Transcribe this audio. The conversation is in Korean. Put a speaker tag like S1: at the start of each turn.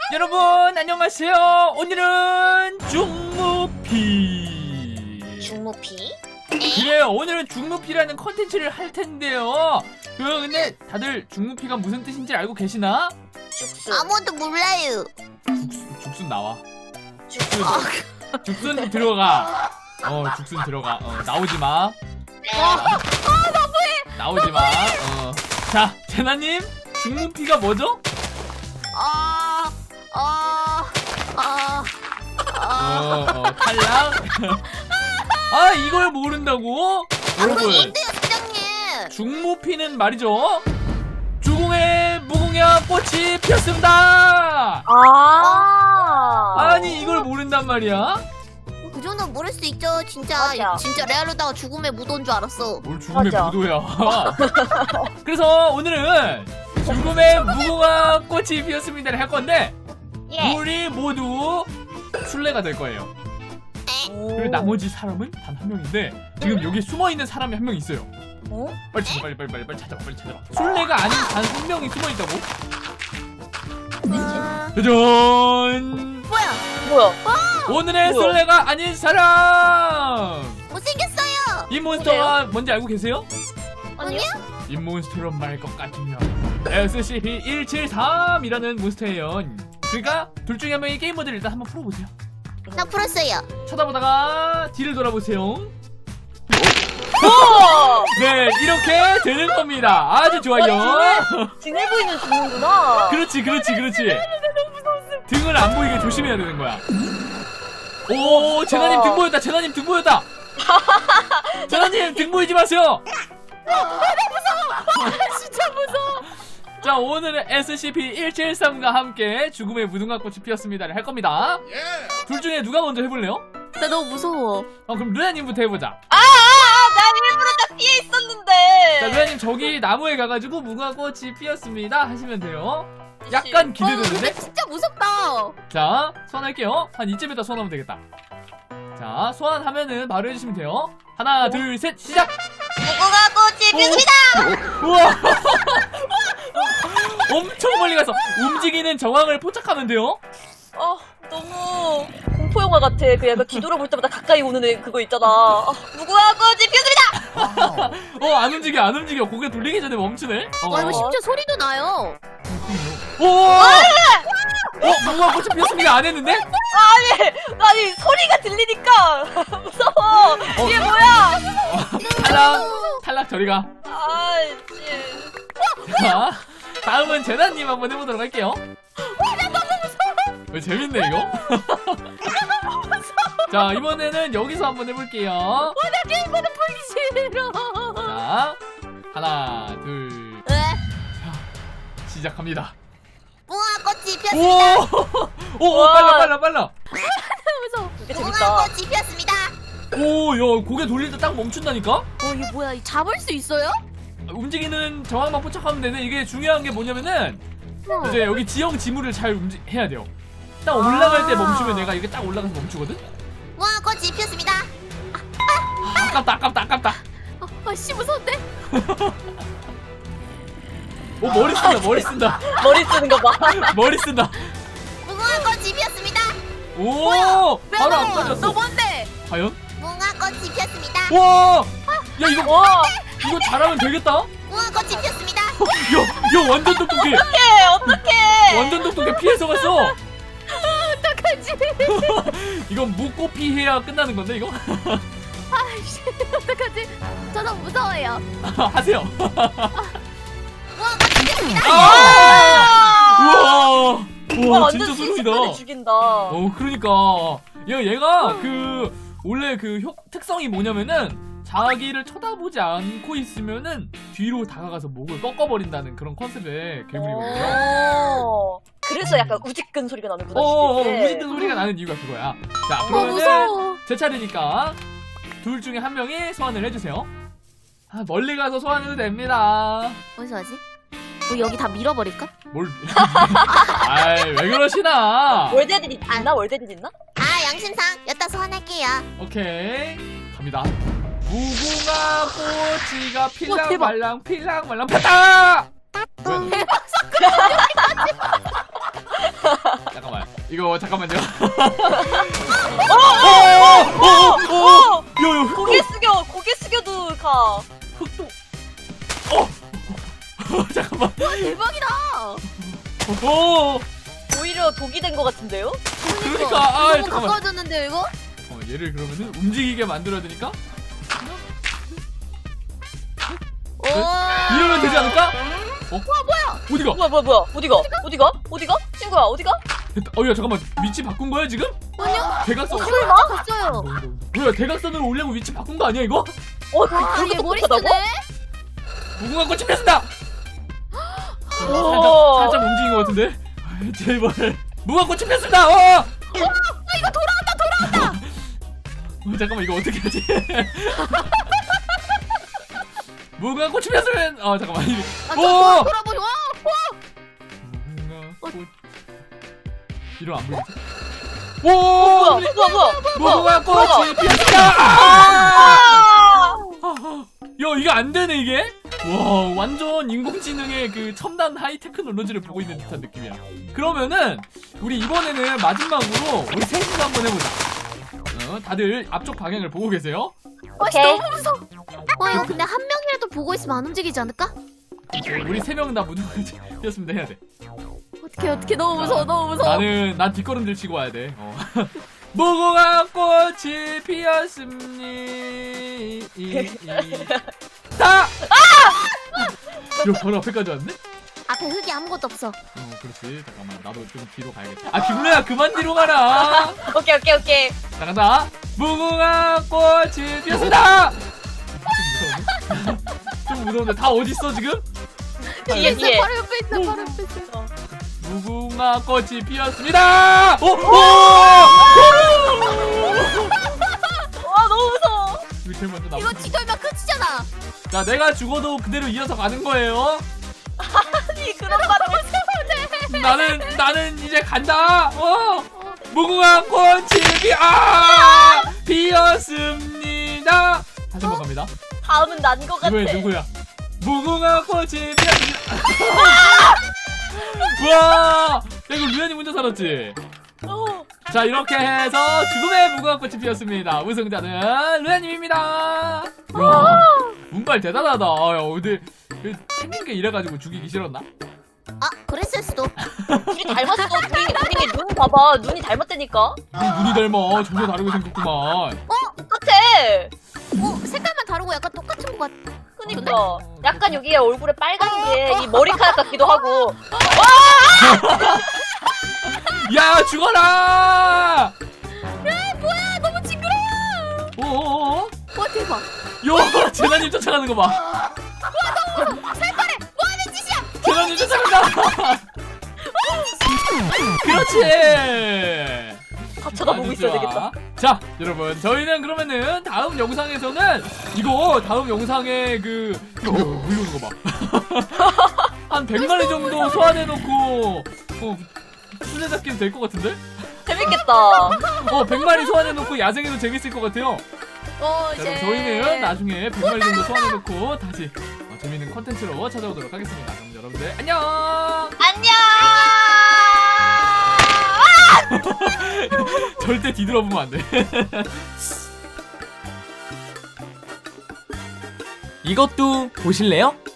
S1: 여러분 안녕하세요. 오늘은 중무피.
S2: 중무피?
S1: 그래요. 오늘은 중무피라는 컨텐츠를 할 텐데요. 근데 다들 중무피가 무슨 뜻인지 알고 계시나?
S2: 죽순. 아무도 몰라요.
S1: 죽순 나와.
S2: 죽순.
S1: 죽순 들어가. 죽순 들어가. 나오지 마.
S2: 너무해.
S1: 나오지 마. 자, 제나님 중무피가 뭐죠? 탈락. 아, 이걸 모른다고? 여러분,
S2: 뭔데요, 사장님?
S1: 중무피는 말이죠. 주공에 무궁화 꽃이 피었습니다. 아니, 이걸 모른단 말이야?
S2: 그 정도는 모를 수 있죠. 진짜
S3: 맞아.
S2: 진짜 레알로다가 죽음에 묻어온 줄 알았어.
S1: 뭘 죽음의
S3: 맞아.
S1: 무도야. 그래서 오늘은 죽음의 무궁화 꽃이 피었습니다를 할 건데
S3: 예.
S1: 우리 모두 술래가 될 거예요. 그리고 나머지 사람은 단 한 명인데 지금 여기 숨어 있는 사람이 한 명 있어요. 빨리 찾아, 빨리 찾아봐, 빨리 찾아봐. 술래가 아닌 단 한 명이 숨어 있다고? 짜잔!
S2: 뭐야?
S1: 오늘의
S3: 뭐야?
S1: 술래가 아닌 사람!
S2: 못생겼어요.
S1: 이 몬스터가 뭔지 알고 계세요?
S2: 아니요?
S1: 이 몬스터로 말 것 같으면 SCP-173이라는 몬스터예요. 그러니까 둘 중에 한 명이 게임 모드를 일단 한번 풀어보세요.
S2: 나 풀었어요.
S1: 쳐다보다가 뒤를 돌아보세요. 네, 이렇게 되는 겁니다. 아주 좋아요.
S3: 등을 보이면 죽는구나.
S1: 그렇지. 등을 안 보이게 조심해야 되는 거야. 오, 제나님 등 보였다. 제나님 등 보였다. 제나님 등 보이지 마세요.
S2: 진짜 무서워.
S1: 자, 오늘은 SCP-173과 함께 죽음의 무궁화꽃이 피었습니다를 할 겁니다. 둘 중에 누가 먼저 해볼래요?
S2: 나 너무 무서워.
S1: 그럼 루야님부터 해보자.
S3: 난 일부러 다 피해
S1: 자,
S3: 있었는데.
S1: 루야님 저기 나무에 가가지고 무궁화꽃이 피었습니다 하시면 돼요. 약간 기대되는데?
S2: 근데 진짜 무섭다.
S1: 자, 소환할게요. 한 이쯤에다 소환하면 되겠다. 자, 소환하면은 바로 해주시면 돼요. 하나, 둘, 셋, 시작!
S2: 무궁화 꽃이 피었습니다.
S1: 우와! 엄청 멀리 가서 움직이는 정황을 포착하면 돼요.
S3: 너무 공포 영화 같아. 그 약간 뒤돌아볼 때마다 가까이 오는 애 그거 있잖아. 무궁화 꽃이 피었습니다.
S1: 안 움직여. 고개 돌리기 전에 멈추네.
S2: 이거 심지어 소리도 나요.
S1: 무궁화꽃이 피었습니다 안 했는데?
S3: 아니 소리가 들리니까 무서워. 이게 뭐야?
S1: 탈락 저리가.
S3: 아이씨.
S1: 자, 다음은 제나님 한번 해보도록 할게요. 나 너무 무서워. 왜 재밌네 이거? 자, 이번에는 여기서 한번 해볼게요.
S2: 나 게임보다 보기 싫어.
S1: 자, 하나, 둘,
S2: 왜?
S1: 시작합니다.
S2: 무궁화 꽃이 피었습니다.
S1: 오, 빨라.
S2: 무서워.
S3: 이게
S2: 무궁화
S3: 재밌다.
S2: 꽃이 피었습니다.
S1: 오, 야, 고개 돌릴 때 딱 멈춘다니까?
S2: 이게 뭐야? 이 잡을 수 있어요?
S1: 움직이는 정황만 포착하면 되는데 이게 중요한 게 뭐냐면은 이제 여기 지형 지물을 잘 해야 돼요. 딱 올라갈 때 멈추면 내가 이게 딱 올라가서 멈추거든?
S2: 무궁화 꽃이 피었습니다.
S1: 아깝다.
S2: 씨 무서운데?
S1: 오, 머리 쓴다.
S3: 머리 쓰는 거 봐.
S1: 머리 쓴다.
S2: 무궁화 꽃이 피었습니다.
S1: 오, 바로 안
S2: 너
S1: 빠졌어.
S2: 뭔데?
S1: 과연?
S2: 무궁화 꽃이 피었습니다.
S1: 와, 야 이거 잘하면 되겠다.
S2: 무궁화 꽃이 피었습니다.
S1: 야, 완전 똑똑해.
S3: 어떡해.
S1: 완전 똑똑해. 피해서 갔어.
S2: 어떡하지?
S1: 이건 묻고 피해야 끝나는 건데 이거?
S2: 아이씨 어떡하지? 저 너무 무서워요.
S1: 하세요.
S2: 무궁화 꽃이 피었습니다.
S1: 우와,
S3: 완전
S1: 진짜 소름이다.
S3: 순식간에 죽인다.
S1: 그러니까 얘가 원래 특성이 뭐냐면은 자기를 쳐다보지 않고 있으면은 뒤로 다가가서 목을 꺾어버린다는 그런 컨셉의 괴물이거든요.
S3: 그래서 약간 우직근 소리가 나는구나.
S1: 우직근 소리가 나는 이유가 그거야. 자, 그러면은
S2: 무서워.
S1: 제 차례니까 둘 중에 한 명이 소환을 해주세요. 멀리 가서 소환해도 됩니다.
S2: 어디서 하지? 여기 다 밀어버릴까?
S1: 아이, 왜 그러시나?
S3: 월드에딘 있나? 월드에딘 있나?
S2: 양심상 여따 소환할게요.
S1: 오케이, 갑니다. 무궁화 꽃이가
S2: 대박.
S1: 필랑말랑 폈다! 잠깐만. 이거 잠깐만요.
S3: 오!
S1: 요요.
S3: 고개 숙여도 가.
S1: 흑도. 잠깐만.
S2: 대박이다.
S3: 오히려 독이 된 것 같은데요?
S1: 그러니까
S2: 너무
S1: 잠깐만.
S2: 가까워졌는데요 이거?
S1: 얘를 그러면은 움직이게 만들어야 되니까
S2: 오.
S1: 이러면 되지 않을까?
S2: 뭐야?
S1: 어디가?
S3: 뭐야? 어디가? 친구야, 어디가?
S1: 됐다. 야 잠깐만. 위치 바꾼 거야 지금?
S2: 아니요.
S1: 대각선.
S3: 설마?
S2: 갔어요.
S1: 뭐야 대각선으로 오려고 위치 바꾼 거 아니야 이거?
S2: 와, 얘 머리
S3: 똑똑하다고?
S2: 쓰네.
S1: 무궁화 꽃이 피었습니다.
S3: 오.
S1: 살짝 움직인 것 같은데. 제발. 무궁화 꽃이 피었습니다.
S2: 이거 돌아온다.
S1: 잠깐만 이거 어떻게 하지? 무궁화 꽃이 피었으면 잠깐만. 오!
S2: 돌아보죠.
S1: 무궁화 꽃. 이러 안 보이지?
S3: 뭐야?
S1: 오! 무궁화 꽃이 피었습니다.
S3: 아!
S1: 야 이거 안 되네 이게. 와 완전 인공지능의 그 첨단 하이 테크놀로지를 보고 있는 듯한 느낌이야. 그러면은 우리 이번에는 마지막으로 우리 셋이서 한번 해보자. 다들 앞쪽 방향을 보고 계세요.
S3: 오케이.
S2: 너무 무서워. 이거 근데 한 명이라도 보고 있으면 안 움직이지 않을까?
S1: 우리 세 명 다 무궁화 피었습니다 해야 돼.
S2: 어떻게 너무 무서워. 너무 무서워.
S1: 난 뒷걸음질 치고 와야 돼. 무궁화 꽃이 피었습니다. 야 바로 앞에까지 왔네?
S2: 앞에 흙이 아무것도 없어.
S1: 그렇지. 잠깐만 나도 좀 뒤로 가야겠다. 아 김루야 그만 뒤로 가라.
S3: 오케이.
S1: 자 간다. 무궁화 꽃이 피었습니다. 좀 무서운데 다 어딨어 지금?
S3: 뒤에.
S2: 바로 옆에 있어. 바로 옆에 있어.
S1: 무궁화 꽃이 피었습니다. 오!
S3: 와, 너무 무서워.
S1: 밑에 먼저
S2: 이거
S1: 나와.
S2: 뒤돌면 끝이잖아.
S1: 자 내가 죽어도 그대로 이어서 가는 거예요.
S3: 아니, 그런 말을.
S1: 나는 이제 간다. 무궁화 꽃이 피었습니다. 다시 한번 갑니다.
S3: 다음은 난 것 같아.
S1: 이번엔 누구야? 무궁화 꽃이 피었습니다. 와, 야, 이거 루안이 혼자 살았지? 자 이렇게 해서 죽음의 무궁화 꽃이 피었습니다. 우승자는 루안님입니다. 야, 운빨 대단하다. 야, 근데 생긴 게 이래가지고 죽이기 싫었나?
S2: 아, 그랬을 수도.
S3: 둘이 닮았어. 둘이 눈 봐봐. 눈이 닮았다니까.
S1: 눈이 닮아. 전혀 다르게 생겼구만.
S3: 똑같아.
S2: 색깔만 다르고 약간 똑같은 것 같아.
S3: 그니까. 약간 여기에 얼굴에 빨간 게 이 머리카락 같기도 하고.
S1: 야 죽어라!
S2: 뭐야, 너무 징그러워.
S1: 어어어?
S2: 와, 대박.
S1: 요 재난님 쫓아가는 거 봐.
S2: 살벌해. 뭐 하는 짓이야?
S1: 재난님 쫓아간다. 그렇지.
S3: 다 쳐다보고
S1: 아주
S3: 있어야
S1: 좋아.
S3: 되겠다.
S1: 자 여러분 저희는 그러면은 다음 영상에서는 이거 다음 영상에 이거 물려오는 거 봐. 한 100마리 정도 소환해놓고 술래잡기는 될 것 같은데?
S3: 재밌겠다.
S1: 100마리 소환해놓고 야생에도 재밌을 것 같아요. 자,
S2: 이제.
S1: 그럼 저희는 나중에 100마리 정도 소환해놓고 다시 재밌는 컨텐츠로 찾아오도록 하겠습니다. 그럼 여러분들 안녕.
S3: 안녕.
S1: 절대 뒤돌아보면 안 돼. 이것도 보실래요?